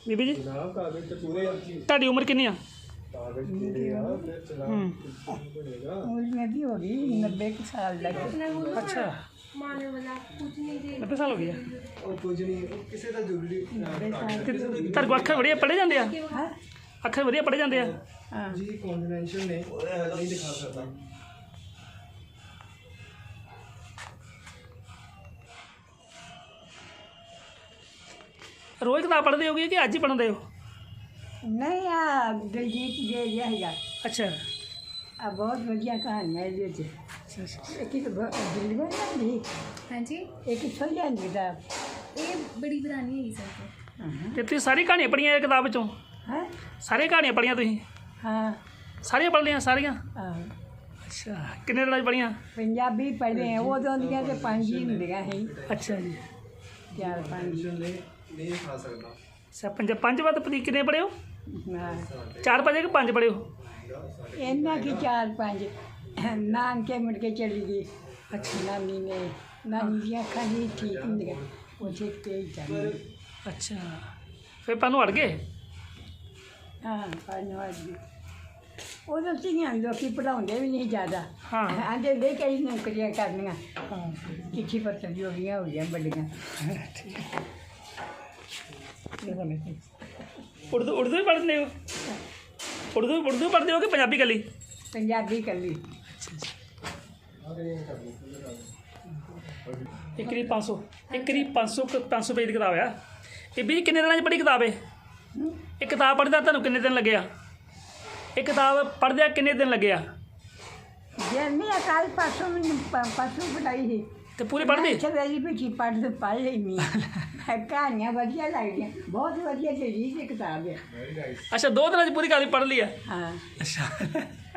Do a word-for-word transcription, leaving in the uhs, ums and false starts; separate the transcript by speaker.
Speaker 1: ਬੀਬੀ ਜੀ
Speaker 2: ਜਨਾਬ ਕਾਗਜ਼ ਤੇ ਪੂਰੇ
Speaker 1: ਤੁਹਾਡੀ ਉਮਰ ਕਿੰਨੀ ਆ?
Speaker 2: ਕਾਗਜ਼ ਪੂਰੇ ਆ ਫਿਰ ਚਲਾਨ ਬਣੇਗਾ।
Speaker 3: उम्र में भी होगी नब्बे के साल लगे।
Speaker 1: अच्छा
Speaker 4: मारने वाला कुछ नहीं दे
Speaker 1: नब्बे साल हो गया
Speaker 2: ਉਹ ਕੁਝ ਨਹੀਂ ਉਹ ਕਿਸੇ ਦਾ ਜ਼ਰੂਰੀ
Speaker 1: ਤੁਹਾਡੇ ਕੋਲ ਅੱਖਰ ਵਧੀਆ ਪੜ੍ਹੇ ਜਾਂਦੇ ਆ?
Speaker 3: हाँ
Speaker 1: ਅੱਖਰ ਵਧੀਆ ਪੜ੍ਹੇ ਜਾਂਦੇ ਆ?
Speaker 3: हाँ
Speaker 2: ਜੀ ਕੌਨਫੀਡੈਂਸ਼ੀਅਲ ਨੇ ਨਹੀਂ ਦਿਖਾ ਸਕਦਾ।
Speaker 1: ਰੋਜ਼ ਕਿਤਾਬ ਪੜ੍ਹਦੇ ਹੋਗੇ ਕਿ ਅੱਜ ਹੀ ਪੜ੍ਹਦੇ ਹੋ?
Speaker 3: नहीं आ दिलजीत दे जाएगा।
Speaker 1: अच्छा
Speaker 3: अब बहुत बढ़िया कहानी है ये जी। एक ही तो दिल्ली में नहीं
Speaker 4: हाँ जी
Speaker 3: एक ही छोड़ जाएंगे किताब।
Speaker 4: ये बड़ी पुरानी है सर
Speaker 1: ਤੇ ਤੁਸੀਂ ਸਾਰੀ ਕਹਾਣੀਆਂ ਪੜ੍ਹੀਆਂ ਇਹ ਕਿਤਾਬ ਵਿੱਚੋਂ?
Speaker 3: हाँ
Speaker 1: ਸਾਰੀਆਂ ਕਹਾਣੀਆਂ ਪੜ੍ਹੀਆਂ ਤੁਸੀਂ?
Speaker 3: हाँ
Speaker 1: ਸਾਰੀਆਂ ਪੜ੍ਹ ਲਈਆਂ ਸਾਰੀਆਂ?
Speaker 3: हाँ
Speaker 1: ਅੱਛਾ ਕਿੰਨੇ ਦਿਨਾਂ 'ਚ ਪੜ੍ਹੀਆਂ?
Speaker 3: पंजाबी पढ़े हैं वो तो उनके तो पाँच ही मिलेगा है
Speaker 1: ਅੱਛਾ ਜੀ
Speaker 3: चार पाँच।
Speaker 2: ਕੌਨਫੀਡੈਂਸ਼ੀਅਲ ਨੇ ਨਹੀਂ ਦਿਖਾ ਸਕਦਾ।
Speaker 1: ਅੱਛਾ ਪੰਜ ਪੰਜ ਵਾਰ ਪਤੀ ਕਿੰਨੇ ਪੜ੍ਹੇ ਹੋ?
Speaker 3: हाँ
Speaker 1: ਚਾਰ ਪੜ੍ਹੇ ਕਿ ਪੰਜ ਪੜ੍ਹੇ ਹੋ?
Speaker 3: इन्ना की चार पाँच नान के मुड़ के चली गई। अच्छा नानी ने नानी की अखा नहीं ठीक नहीं वो ठीक तेज जाने।
Speaker 1: ਅੱਛਾ ਫਿਰ ਤੁਹਾਨੂੰ ਅੜ ਗਏ?
Speaker 3: हाँ पढ़ने वाली उदों धीआं लोग पढ़ाते भी नहीं ज़्यादा।
Speaker 1: हाँ।
Speaker 3: आंदे दे कई नौकरियां करनियां
Speaker 1: ਹਾਂ
Speaker 3: चिट्ठी पत्तर जो भी हो गया बड़ियां।
Speaker 1: ਉਰਦੂ ਉਰਦੂ ਵੀ ਪੜ੍ਹਦੇ ਹੋ? ਉਰਦੂ ਉਰਦੂ ਪੜ੍ਹਦੇ ਹੋ ਕਿ ਪੰਜਾਬੀ ਕੱਲੀ?
Speaker 3: पंजाबी कली
Speaker 1: ਇੱਕ ਰੀ ਪੰਜ ਸੌ ਇੱਕ ਰੀ ਪੰਜ ਸੌ ਪੰਜ ਸੌ ਪੇਜ ਦੀ ਕਿਤਾਬ ਆ ਇਹ ਵੀ ਕਿੰਨੇ ਦਿਨਾਂ 'ਚ ਪੜ੍ਹੀ ਕਿਤਾਬ ਹੈ? ਇਹ ਕਿਤਾਬ ਪੜ੍ਹਦਾ ਤੁਹਾਨੂੰ ਕਿੰਨੇ ਦਿਨ ਲੱਗੇ ਆ? ਇਹ ਕਿਤਾਬ ਪੜ੍ਹਦਿਆਂ ਕਿੰਨੇ ਦਿਨ ਲੱਗੇ ਆ?
Speaker 3: जर्नी अकाल परसों मैंने परसों पढ़ाई थी
Speaker 1: ਤੇ ਪੂਰੀ ਪੜ੍ਹਦੀ?
Speaker 3: सवेरी बैठी पढ़ तो पढ़ लेनी कहानियां वधिया लगदियां बहुत वधिया चीज़ किताब है।
Speaker 1: ਅੱਛਾ ਦੋ ਦਿਨਾਂ 'ਚ ਪੂਰੀ ਕਹਾਣੀ ਪੜ੍ਹ ਲਈ ਆ?
Speaker 3: हाँ
Speaker 1: ਅੱਛਾ